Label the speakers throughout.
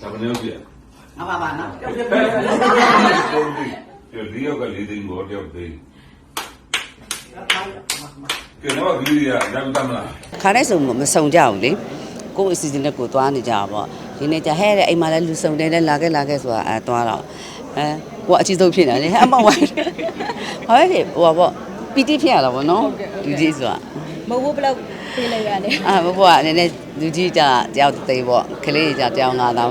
Speaker 1: ဘယ်လိုပြ
Speaker 2: အမပါနော်
Speaker 1: ဒီရောက်ကလေးသိန်းဘောတယောက်သိန်းကဲတော့ဒီရရမ်းတမ်းလား
Speaker 3: ခါတိုင်းဆိုမစုံကြဘူးလေကိုယ့်အစီအစဉ်နဲ့ကိုယ်သွားနေကြတာပေါ့ဒီနေ့ကျဟဲ့တဲ့အိမ်မှာလည်းလူစုံတယ်လာခဲ့ဆိုတာသွားတော့ကိုကအချီဆုံးဖြစ်နေတယ်အမောက်ဝိုင်းဟဲ့လေဟိုပေါ့ပီတိဖြစ်ရတာပေါ့နော်လူကြီးဆိုတာ
Speaker 4: မဟုတ်ဘူးဘယ်လောက်ပေးလိုက်ရလဲ
Speaker 3: ဘဘကနည်းနည်းလူကြီးကြတယောက်သိပေါ့ကလေးကြတယောက်9000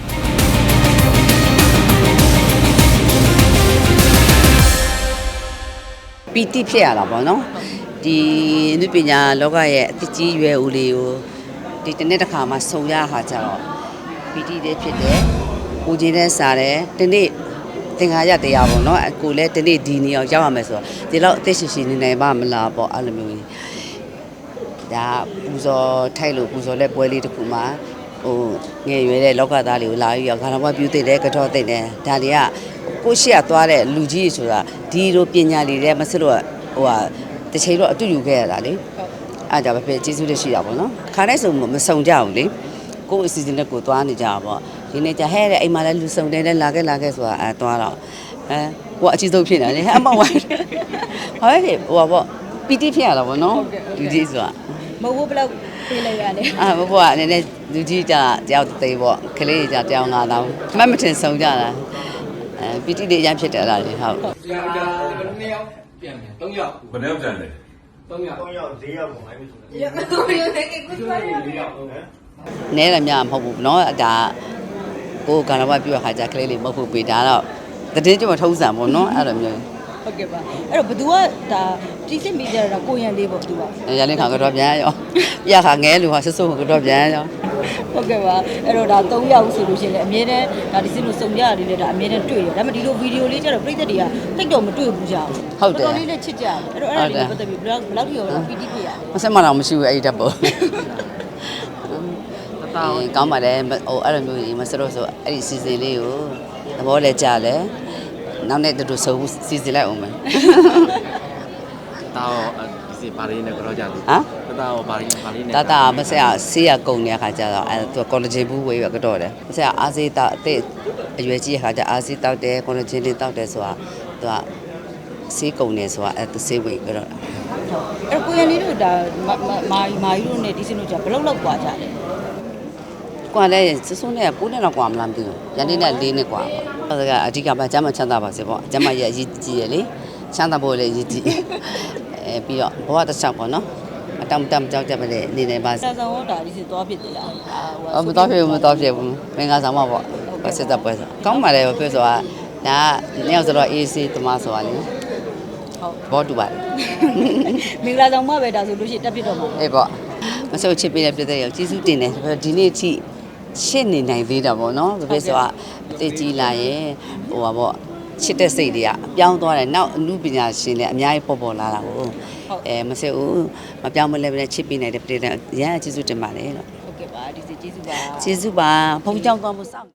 Speaker 3: ပီတိဖြစ်ရတာပေါ့နော်ဒီလူပညာလောကရဲ့အတကြီးရွယ်ဦးလေးကိုဒီတစ်နေ့တစ်ခါမှဆုံရတာကြတော့ပီတိလေးဖြစ်တယ်ကိုကြီးနဲ့စားတယ်ဒီနေ့သင်္ခါရတရားပေါ့နော်ကိုလည်းဒီနေ့ဒီနေအောင်ရောက်ရမယ်ဆိုတော့ဒီလောက်အသက်ရှင်ရှင်နေနိုင်ပါမလားပေါ့အဲ့လိုမျိုးဒါပူဇော်ထိုက်လို့ပူဇော်လက်ပွဲလေးတစ်ခုမှာဟိုငယ်ရွယ်တဲ့လောကသားတွေကိုလာပြီးတော့ခါတော်ဘွားပြုသိတယ်ကတော့သိတယ်ဒါတွေကကိုရှိရသွားတဲ့လူကြီးဆိုတာဒီလိုပညာလေးတွေမစစ်လို့ဟိုဟာတစ်ချိန်တော့အတူယူခဲ့ရတာလေအဲ့ဒါပဲပဲကျေးဇူးတင်ရှိတာပေါ့နော်ခါတိုင်းဆိုမစုံကြဘူးလေကိုယ့်အစီအစဉ်နဲ့ကိုယ်သွားနေကြတာပေါ့ဒီနေ့ကျဟဲ့တဲ့အိမ်မှာလည်းလူစုံတယ်လာခဲ့ဆိုတာသွားတော့ကိုကအချီဆုံးဖြစ်နေတယ်အမောက်ဝိုင်းဟဲ့လေဟိုပေါ့ပီတိဖြစ်ရတာပေါ့နော်လူကြီးဆိုတာ
Speaker 4: မဟုတ်ဘူးဘယ်လောက်ပေးလိုက်ရလဲ
Speaker 3: ဘဘကနည်းနည်းလူကြီးကြတယောက်သိပေါ့ကလေးကြတယောက်9000မထင်ဆုံးကြတာပီတိလေးရမ်းဖြစ်တယ်လားလေဟုတ်
Speaker 2: 2ယောက်ပြန်တယ်3ယောက်
Speaker 1: ဘယ်နှယောက်ကျန်လဲ
Speaker 2: 3ယောက်
Speaker 5: 4ယောက်4ယောက်ပေါ့အဲ့လိုဆို
Speaker 4: တယ်4ယောက်နဲ့ကိုယ်
Speaker 2: 4ယောက်
Speaker 3: နဲတယ်များမဟုတ်ဘူးနော်ဒါကိုကံတော်ဘပြုရခါကြကလေးလေးမဟုတ်ဘူးပေးဒါတော့တည်င်းကျမထုံးစံပေါ့နော်အဲ့လိုမျိုး
Speaker 4: ဟုတ်ကဲ့ပါအဲ့တော့ဘသူကဒါတိစစ်မိကြတာကိုရန်လေးပေါ့သူက
Speaker 3: ရန်လေးခါကတော့ပြန်ရောပြခါငဲလူဟာဆဆကတော့ပြန်ရော
Speaker 4: ဟုတ်ကဲ့ပါအဲ့တော့ဒါ3ယောက်ဆိုလို့ရှိရင်လည်းအမြဲတမ်းဒါဒီစစ်လို့စုံကြရတယ်လေဒါအမြဲတမ်းတွေ့ရတယ်ဒါပေမဲ့ဒီလိုဗီဒီယိုလေးကျတော့ပြည်သက်တွေကတိတ်တော့မတွေ့ဘူးကြဘူး
Speaker 3: ဟုတ်တယ်
Speaker 4: တော်တော်လေးနဲ့ချစ်ကြတယ်အဲ့တော့အဲ့ဒါလေးပတ်သက်ပြီးဘယ်လောက်ထိရောပီတိပြရလဲ
Speaker 3: မဆက်မတော့မရှိဘူးအဲ့ဒီတက်ပေါ့ကောင်းပါတယ်ဟိုအဲ့လိုမျိုးကြီးမစတော့ဆိုအဲ့ဒီစီစဉ်လေးကိုသဘောလဲကြလဲနောက်နေ့တူဆုံစီစဉ်လိုက်အောင်မယ်
Speaker 5: တာဒီစီပါရင်းနဲ့ကြောကြတယ်တာပါရင်းနဲ့
Speaker 3: တာမဆက်အောင်ဆေးရကုန်တဲ့အခါကျတော့အဲ့သူကော်လဂျင်ဘူးဝေးရကတော့တယ်မဆက်အားစေးတောက်အသက်အရွယ်ကြီးအခါကျအားစေးတောက်တယ်ကော်လဂျင်လေးတောက်တယ်ဆိုတာသူကဆေးကုန်နေဆိုတာအဲ့သူဆေးဝေးကြတော့
Speaker 4: အဲ့ကိုရန်လေးတို့ဒါမာယူတို့နဲ့ဒီစင်တို့ကြဘယ်လောက်กว่าကြလဲ
Speaker 3: ကွာလဲစစုံနဲ့9နှစ်လောက်กว่าမလားမသိဘူးရန်လေးနဲ့4နှစ်กว่าပေါ့ဒါကအဓိကပဲကျမ်းမချမ်းသာပါစေပေါ့ကျမ်းမရဲ့အရေးကြီးရလေချမ်းသာဖို့လည်းအရေးကြီးပြီးတော့ဘဝတစ်ချောင်းပေါ့နော်အတောင်တမ်းကြောက်ကြပါလေနေနေပါ
Speaker 4: စာဆောင်ဟောတာဒီစသွားဖြစ်တယ်လား
Speaker 3: မတော်ဖြစ်ဘူးမင်္ဂလာဆောင်ပါပေါ့ဆက်သက်ပွဲဆိုကောင်းပါလေပြောဆိုတာဒါကနှစ်ယောက်ဆိုတော့ AC တမဆိုတာလေ
Speaker 4: ဟုတ်
Speaker 3: ဘောတူပါတယ်
Speaker 4: မင်္ဂလာဆောင်မှပဲဒါဆိုလို့ရှိရင်တက်ဖြစ်တော့မှာ
Speaker 3: အေးပေါ့မဆုတ်ချစ်ပေးတဲ့ပြည်သက်ရောကျေးဇူးတင်တယ်ဒီနေ့အထိရှင်းနေနိုင်သေးတာပေါ့နော်ပြောဆိုတာအသေးကြီးလာရင်ဟိုပါပေါ့ချစ်တဲ့စိတ်တွေကအပြောင်းသွားတယ်နောက်အမှုပညာရှင်တွေအများကြီးပေါ်လာတာကိုမစဲဘူးမပြောင်းမလဲပဲချစ်ပေးနိုင်တဲ့ပြည်သက်ရန်ကျေးဇူးတင်ပါတယ်လို့
Speaker 4: ဟုတ်ကဲ့ပါဒီကျေးဇူးပါ
Speaker 3: ကျေးဇူးပါဖုန်းကြောင်းသွားမှုစောင့်